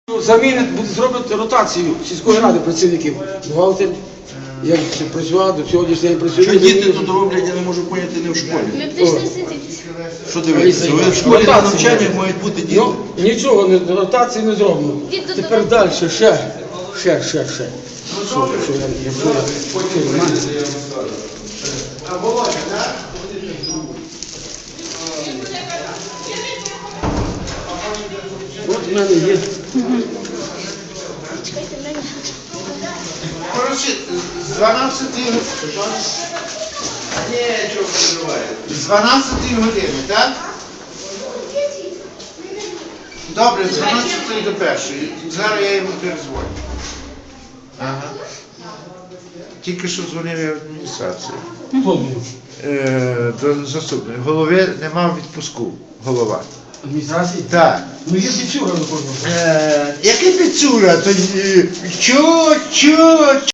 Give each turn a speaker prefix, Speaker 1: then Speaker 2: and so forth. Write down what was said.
Speaker 1: Замінить, буде зробити ротацію сільської ради працівників. Бухгалтер, як працював, до сьогоднішнього дня працює.
Speaker 2: Що діти тут роблять, я не можу поняти, не в школі.
Speaker 3: Ми прийшли сидіти.
Speaker 2: Що дивитися? Ви в школі на навчаннях мають бути діти.
Speaker 1: Ну, нічого, ротації не зроблено. Тепер далі, ще. Що я От в мене є.
Speaker 4: Коротше, з 12 години. Ні, чого переживає. З 12 години, так? Добре, з 12 до 1. Зараз я йому перезвоню. Ага. Тільки що дзвонив я в адміністрацію.
Speaker 1: Хто був?
Speaker 4: До заступника. Голови нема відпуску. Голова.
Speaker 1: Адміністрації?
Speaker 4: Так.
Speaker 1: Ну є Піцюра, напевно.
Speaker 4: Який Піцюра? Чо?